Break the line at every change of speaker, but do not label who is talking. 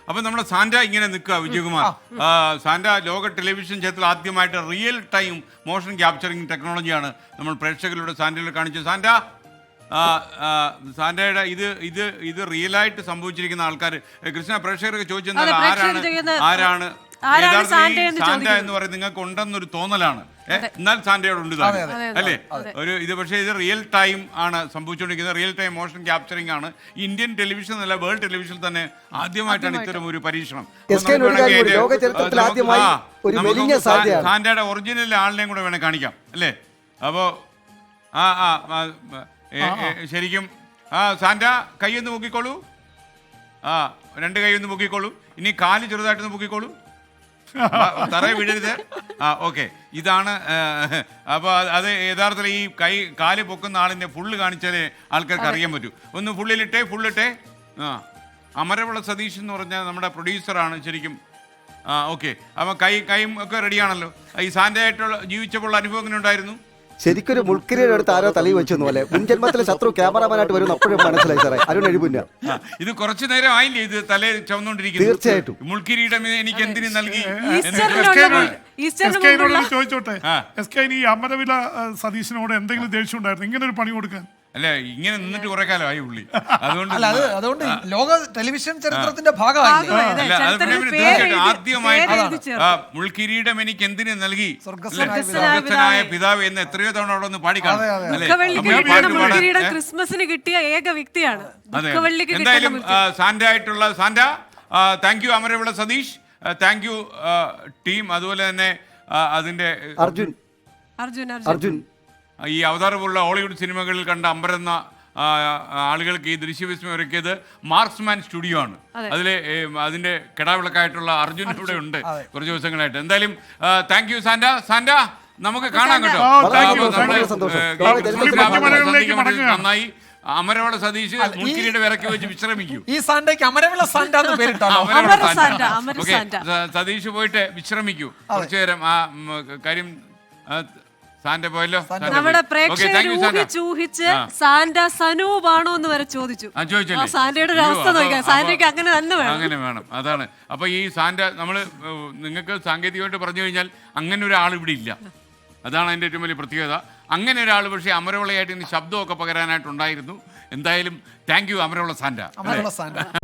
അപ്പൊ നമ്മുടെ സാന്റ ഇങ്ങനെ നിൽക്കുക വിജയകുമാർ. സാന്റ ലോക ടെലിവിഷൻ ചരിത്രത്തിൽ ആദ്യമായിട്ട് റിയൽ ടൈം മോഷൻ ക്യാപ്ചറിങ് ടെക്നോളജിയാണ് നമ്മൾ പ്രേക്ഷകരുടെ സാന്റയിൽ കാണിച്ചത്. സാന്റയുടെ ഇത് റിയലായിട്ട് സംഭവിച്ചിരിക്കുന്ന ആൾക്കാർ കൃഷ്ണ പ്രേക്ഷകർക്ക് ചോദിച്ചെന്നാൽ ആരാണ് സാന്റ എന്ന് പറയുന്നത് നിങ്ങൾക്ക് ഉണ്ടെന്നൊരു തോന്നലാണ്. എന്നാൽ സാന്റയോട് ഉണ്ട് അല്ലേ ഇത്. പക്ഷേ ഇത് റിയൽ ടൈം ആണ് സംഭവിച്ചുകൊണ്ടിരിക്കുന്നത്. റിയൽ ടൈം മോഷൻ ക്യാപ്ചറിംഗ് ആണ്. ഇന്ത്യൻ ടെലിവിഷൻ അല്ല വേൾഡ് ടെലിവിഷനിൽ തന്നെ ആദ്യമായിട്ടാണ് ഇത്തരം ഒരു പരീക്ഷണം. സാന്റയുടെ ഒറിജിനൽ ആളിനെയും കൂടെ വേണേൽ കാണിക്കാം അല്ലേ. അപ്പോ ശരിക്കും സാന്റ കൈയൊന്ന് മുക്കിക്കോളൂ. രണ്ട് കൈയൊന്ന് മുക്കിക്കോളൂ. ഇനി കാല് ചെറുതായിട്ടൊന്ന് മുക്കിക്കോളൂ. തറയെ വീഴരുത്. ഓക്കെ, ഇതാണ്. അപ്പോൾ അത് യഥാർത്ഥത്തിൽ ഈ കാല് പൊക്കുന്ന ആളിൻ്റെ ഫുള്ള് കാണിച്ചാലേ ആൾക്കാർക്ക് അറിയാൻ പറ്റൂ. ഒന്ന് ഫുള്ളിട്ടെ. അമരവിള സതീഷ് എന്ന് പറഞ്ഞാൽ നമ്മുടെ പ്രൊഡ്യൂസറാണ് ശരിക്കും. ഓക്കെ, അപ്പോൾ കൈയും ഒക്കെ റെഡിയാണല്ലോ. ഈ സാന്റയായിട്ടുള്ള ജീവിച്ചപ്പോൾ അനുഭവം എങ്ങനെ ഉണ്ടായിരുന്നു?
ശരിക്കൊരു മുൾക്കിരിയുടെ അടുത്ത് ആരോ തലയിൽ വെച്ചു പോലെ മുൻജന്മത്തിലെ ശത്രു ക്യാമറാമാനായിട്ട് വരും. അപ്പോഴും മനസ്സിലായി സാറേ, അരുൺ എഴുപില്ല.
ഇത് കുറച്ചു നേരം ആയില്ലേ ഇത് തലയിൽ ചുവന്നുകൊണ്ടിരിക്കുന്നത്?
തീർച്ചയായിട്ടും.
മുൾക്കിരീടം എനിക്ക് എന്തിനു നൽകി?
ചോദിച്ചോട്ടെ, ഈ അമരവില സതീശനോട് എന്തെങ്കിലും ദേഷ്യം ഉണ്ടായിരുന്നു ഇങ്ങനെ ഒരു പണി കൊടുക്കാൻ?
അല്ല, ഇങ്ങനെ നിന്നിട്ട് കുറെ കാലമായി പുള്ളി.
അതുകൊണ്ട് ലോക ടെലിവിഷൻ ചരിത്രത്തിന്റെ ഭാഗമായി
ആദ്യമായിട്ട് മുൾക്കിരീടം എനിക്ക് എന്തിനു നൽകി സ്വർഗസ്ഥനായ പിതാവ് എന്ന് എത്രയോ തവണ അവിടെ ഒന്ന് പാടിക്കാണും.
ക്രിസ്മസിന് കിട്ടിയ ഏക വ്യക്തിയാണ്.
എന്തായാലും സാന്റ ആയിട്ടുള്ള Santa, thank you Amaravila Satheesh, thank you team. അതുപോലെ തന്നെ അതിന്റെ
അർജുൻ
ഈ അവതാരമുള്ള ഹോളിവുഡ് സിനിമകളിൽ കണ്ട അമ്പരന്ന ആളുകൾക്ക് ഈ ദൃശ്യവിസ്മയം ഒരുക്കിയത് മാർക്സ്മാൻ സ്റ്റുഡിയോ ആണ്. അതിന്റെ കിടാവിളക്കായിട്ടുള്ള അർജുൻ ഇവിടെ ഉണ്ട് കുറച്ച് ദിവസങ്ങളായിട്ട്. എന്തായാലും താങ്ക് യു സാന്റ. നമുക്ക് കാണാം കേട്ടോ. നന്നായി. അമരവിള സതീഷ് മുൾക്കിരീടം ഇറക്കി വെച്ച് വിശ്രമിക്കൂ.
ഈ സാന്റയ്ക്ക് അമരവിള സാന്റ എന്ന് പേരിട്ടോ.
സതീഷ് പോയിട്ട് വിശ്രമിക്കൂ കുറച്ചു നേരം. കാര്യം സാന്റ പോയല്ലോ.
നമ്മുടെ പ്രേക്ഷകർ ഊഹിച്ചൂഹിച്ച് സാന്റ സനൂപാണോ എന്ന് വരെ ചോദിച്ചു. സാന്റയുടെ ഒരു അവസ്ഥ നോക്കാം. സാന്റയ്ക്ക് അങ്ങനെ തന്നെ
വേണം. അതാണ്. അപ്പൊ ഈ സാന്റ നിങ്ങൾക്ക് സാങ്കേതികമായിട്ട് പറഞ്ഞു കഴിഞ്ഞാൽ അങ്ങനെ ഒരാൾ ഇവിടെ ഇല്ല. അതാണ് അതിന്റെ ഏറ്റവും വലിയ പ്രത്യേകത. അങ്ങനെ ഒരാൾ പക്ഷേ അമരവിളയായിട്ട് ഇന്ന് ശബ്ദമൊക്കെ പകരാനായിട്ടുണ്ടായിരുന്നു. എന്തായാലും താങ്ക് യു അമരവിള സാന്റ.